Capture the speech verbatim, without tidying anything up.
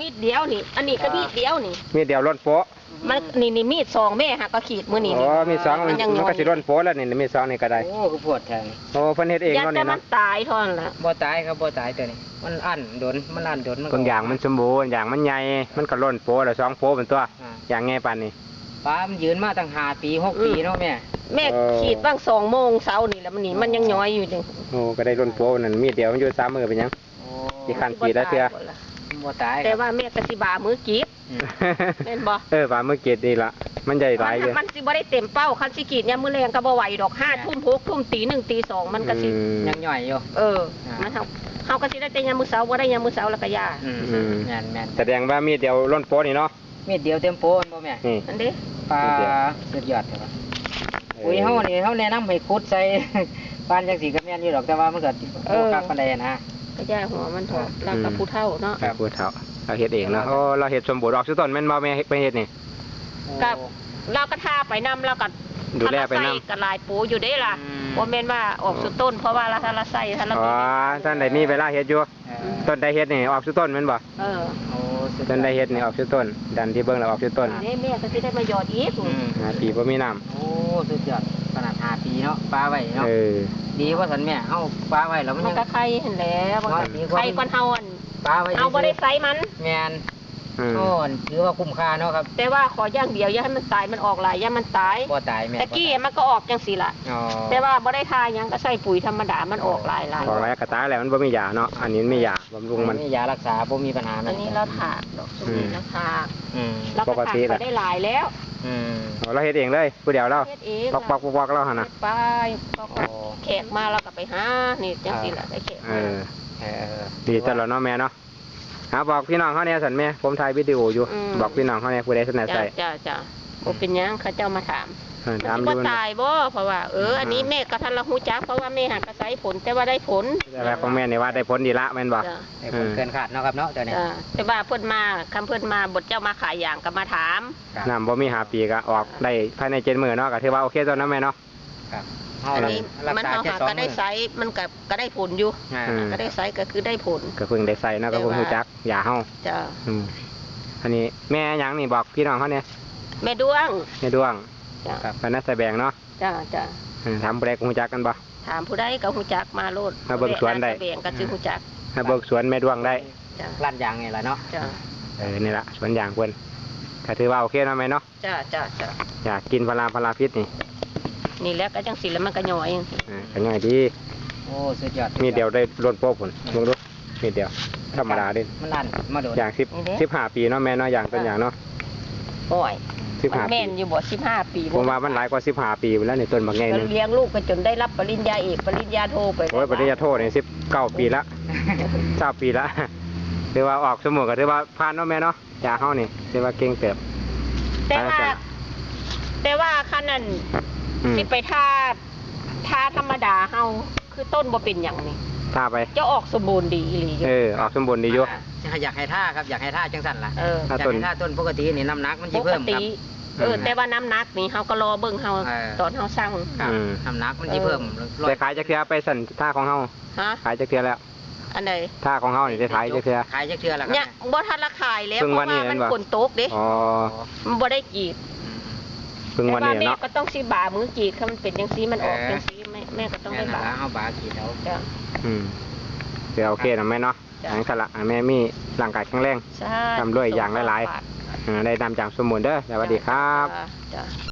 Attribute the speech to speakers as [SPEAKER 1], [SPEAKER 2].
[SPEAKER 1] มีดเดียวนี่อันนี้ก็มีดเดียวนี่
[SPEAKER 2] มีดเดียวร่นโป๊ะ
[SPEAKER 1] มันนี่นี่มีดสองแม่หักก็ขีดมือนี่
[SPEAKER 2] อ๋อมีสองมันก็สิร่นโป๊ะแล้วนี่มีสองนี่ก็ได้
[SPEAKER 3] โอ้คือปวดแทง
[SPEAKER 2] โอ้เพิ่นเฮ็ดเอง
[SPEAKER 1] เนาะนี่เนาะมันตายทอนละ
[SPEAKER 3] บ่ตายครับบ่ตายตัวนี้มันอั้นโดนมันอั้นโดนมัน
[SPEAKER 2] บางอย่างมันสมบูรณ์อย่างมันใหญ่มันก็ร่นโป๊ะแล้วสองโป๊ะเป็นตัวอย่างไงปานนี้
[SPEAKER 3] ป้ามันยืนมาตั้งห้าปีหกปีเนาะแม่
[SPEAKER 1] แม่ขีดบ้างสองโมงเช้านี่แล้วมันนี่มันยังย้อยอยู่นี่
[SPEAKER 2] โอ้ก็ได้ร่นโป๊ะนั่นมีดเดียวมันอยู่สามมือเป็นยังอีกขั้นขีดแล้วเทื่อ
[SPEAKER 3] บ่ตาย
[SPEAKER 1] แต่ว่าแม่กสิบามือกีดแม่นบ่
[SPEAKER 2] เออบามือกีดดีละมันใหญ่หลายอยู่
[SPEAKER 1] มันสิบ่ได้เต็มเป้าคันสิกีดเนี่ยมือแรงก็บ่ไหวดอกห้าทุ่มหกทุ่มตีหนึ่งตีสองมันก็สิ
[SPEAKER 3] ยังย่อยอยู่
[SPEAKER 1] เออมันเฮาเฮาก็สิได้แต่ยามมื้อเช้าบ่ได้ยามมื้อเช้าแล้วก็ยา
[SPEAKER 3] อืมแม่นแม่น
[SPEAKER 2] แสดงว่ามีดเดียวร่นโป๊ะนี่เนาะ
[SPEAKER 3] มีดเดียวเต็มโป๊ะบ่แม่
[SPEAKER 2] นี่
[SPEAKER 1] อันนี้
[SPEAKER 3] ปลาสุดยอดครับอุ้ยเฮานี่เฮาแนะนำให้ขุดใส่ปานจังสีก็แม่นอยู่ดอกแต่ว่ามันก็บ่คักปานใดนะ
[SPEAKER 1] ก็ย่าหัวมันถอดแล้วก็ผู้เฒ่าเนาะ
[SPEAKER 2] ครับผู้เฒ่าเราเฮ็ดเองเนาะโอ้เราเฮ็ดสมบูรณ์ออกสุดต้นแม่นบ่แม่ไปเฮ็ดนี่
[SPEAKER 1] กับเราก็ทาไปนำแล้วก็
[SPEAKER 2] ดูแลไปนำ
[SPEAKER 1] ก็ลายปูอยู่ได้ล่ะบ่แม่นว่าออกสุดต้นเพราะว่าเราถ้าเราใส่ถ้าเรา
[SPEAKER 2] อ๋อท่านใดมีเวลาเฮ็ดอยู่ต้นใดเฮ็ดนี่ออกสุดต้นแม่นบ่
[SPEAKER 1] เออ
[SPEAKER 2] โอ้ต้นใดเฮ็ดนี่ออกสุดต้นดันที่เบิ่งแล้วออกสุดต้น
[SPEAKER 1] นี่แม่ก็สิได้มาหยอดอีก
[SPEAKER 2] ห้าปีบ่มีน้ำ
[SPEAKER 3] โอ้สุดยอดขนาดห้าปีเนาะปลาไว้เนาะ
[SPEAKER 2] เออ
[SPEAKER 3] ดีว่าสันแม่เฮาปลาไว้แล้วมัน
[SPEAKER 1] ยังก็ไข่เห็นแล้วไข่ก่อนเฮาอัน
[SPEAKER 3] ปลาไว้
[SPEAKER 1] เอาบ่ได้ใส่มัน
[SPEAKER 3] แม่นโอ้ถือว่าคุ้มค่าเนาะครับ
[SPEAKER 1] แต่ว่าขออย่างเดียวอย่าให้มันตายมันออกหลายอย่ามันตาย
[SPEAKER 3] บ่ตายแม่
[SPEAKER 1] ตะกี้มันก็ออกจังซี่ล่ะแต่ว่าบ่ได้ทายังก็ใส่ปุ๋ยธรรมดามันออกหลายๆ
[SPEAKER 2] ออกหลายกระตายแล้วมันบ่มียาเนาะอันนี้มียาบำรุงมัน
[SPEAKER 3] มียารักษาบ่มีปัญหา
[SPEAKER 1] อันนี้เราถากดอกสุนีเราถาก
[SPEAKER 3] อืม
[SPEAKER 1] เราก็ถากไปได้หลายแล้ว
[SPEAKER 3] อืม
[SPEAKER 2] เราเฮ็ดเองเลยผู้เดียวเรา
[SPEAKER 1] เฮ็ดเอง
[SPEAKER 2] ปอกๆๆๆเราหั่นน่ะ
[SPEAKER 1] ไปแขกมาเราก็ไปหานี่จังซี่ล่ะได้แขก
[SPEAKER 2] เออเออดีตลอดเนาะแม่เนาะหาบอกพี่น้องเขาเนี่ยสันแม่ผมถ่ายวิดีโออยู่บอกพี่น้องเขาเนี่ยผู้ใดสนใจ
[SPEAKER 1] จ้าจ้าโอเป็นยังเขาเจ้ามาถาม
[SPEAKER 2] ถาม
[SPEAKER 1] อยู่ตายบ่เพราะว่าเอออันนี้แม่ก็ทันละหูจักเพราะว่าแม่หักกระไสผลแต่ว่าได้ผล
[SPEAKER 2] แต่ของแม่เนี่ยว่าได้ผลดีละแม่นบ่
[SPEAKER 3] ได้ผลเกินคาดเนาะครับเนาะเดี๋ยวนี้
[SPEAKER 1] แต่ว่าเพิ่นมาคำเพิ่นมาบทเจ้ามาขายอย่างก็มาถาม
[SPEAKER 2] น้ำบ่มีหาปีก็ออกได้ภายในเจ็ดมื้อเนาะก็ถือว่าโอเคตอนนั้นแม่เนาะ
[SPEAKER 1] อันนี้มันเขาหาก็ได้ไซมันกับก็ได้ผลอยู่ก็ได้ไซก็คือได้ผล
[SPEAKER 2] ก็เพิ่งได้ใส่นะก็เพิ่งรู้จักอย่าเฮา
[SPEAKER 1] จ้า
[SPEAKER 2] อันนี้แม่ยังนี่บอกพี่น้องเขาเนี่ย
[SPEAKER 1] แม่ดวง
[SPEAKER 2] แม่ดวงครับเป็นนักแสดงเนาะ
[SPEAKER 1] จ้าจ้า
[SPEAKER 2] ถามผู้ใดก็รู้จักกันบ่
[SPEAKER 1] ถามผู้ใดก็รู้จักมาโลด
[SPEAKER 2] มาเบิ่งสวนได้
[SPEAKER 1] แสดงก็ชื่อรู้จัก
[SPEAKER 2] มาเบิ่งสวนแม่ดวงได้
[SPEAKER 3] ร้านยางไงล่ะเนาะ
[SPEAKER 1] จ้า
[SPEAKER 2] เออนี่ละสวนยางเพิ่นก็ถือว่าโอเคนะแม่เนาะ
[SPEAKER 1] จ้าจ้าจ้า
[SPEAKER 2] อยากกินพลาพลาพิษนี่
[SPEAKER 1] นี่แล้วก็จังสิแล้วมันก็ย่อย
[SPEAKER 2] อ่าก็ย่อยดี
[SPEAKER 3] โอ้สุดยอด
[SPEAKER 2] มีเดียวได้ล้นโป๊ะผลมึงดูมีเดียวธรรมดาดิ
[SPEAKER 3] มันลั่นมาโดน
[SPEAKER 2] อย่างสิบสิบห้าปีเนาะแม่เนาะอย่างต้นอย่างเนาะ
[SPEAKER 1] โอ้ย
[SPEAKER 2] สิบห้า
[SPEAKER 1] แม่นอยู่บ่สิบห้าปี
[SPEAKER 2] ผมว่ามันหลายกว่าสิบห้าปีแล้วในต้นบางไงนึง
[SPEAKER 1] เลี้ยงลูกกันจนได้รับปริญญาเอกปริญญาโทไป
[SPEAKER 2] โอ้ยปริญญาโทเนี่ยสิบเก้าปีละเก้าปีละเรียกว่าออกสมุนก็เรียกว่าผ่านเนาะแม่เนาะยาเฮานี่เรียกว่าเก่งเติบ
[SPEAKER 1] แต่ว่าแต่ว่าคันนั้นสิไปท่าท่าธรรมดาเฮาคือต้นบ่เป็นอย่างนี้
[SPEAKER 2] ท่าไป
[SPEAKER 1] จะออกสมบูรณ์ดีอีหลี
[SPEAKER 2] เออออกสมบูรณ์ดีอยู่
[SPEAKER 3] อยากให้ท่าครับอยากให้ท่าจังสั่นล่ะ
[SPEAKER 1] เออ
[SPEAKER 3] อยากให้ท่าต้นปกตินี่น้ำหนักมันจะเพิ่มครับ
[SPEAKER 1] เออแต่ว่าน้ำหนักนี่เฮาก็รอเบิ่งเฮาตอนเฮาสร้าง
[SPEAKER 3] น้ำหนักมันจะเพิ่ม
[SPEAKER 2] ไปขายจักเทื่อไปสั่นท่าของเฮา
[SPEAKER 1] ฮะ
[SPEAKER 2] ขายจักเทื่อแล้ว
[SPEAKER 1] อันใด
[SPEAKER 2] ท่าของเฮานี่ได้ขายจักเทื่อ
[SPEAKER 3] ขายจักเทื่อแล้วครับ
[SPEAKER 1] เนี่ยบ่ทันละขายแล้วเพราะว่ามันฝนตกเด้
[SPEAKER 2] อ๋อ
[SPEAKER 1] มันบ่ได้กีด
[SPEAKER 2] เพิ่งวันนี้เนาะ
[SPEAKER 1] แม่ก็ต้องสิบ่ามือกีดถ้ามันเป็นจังซี่มันออกจังซี่แม่แม่ก็ต้องได้บ่า
[SPEAKER 3] เฮาบ่ากีดเอา
[SPEAKER 1] จ้ะ
[SPEAKER 2] อืมเดี๋ยวโอเคนะแม่เนาะอย่างสละแม่มีร่างกายแข็งแรงทำด้วยอย่างหลายๆได้นำจากสมุนเด้อสวัสดีครับ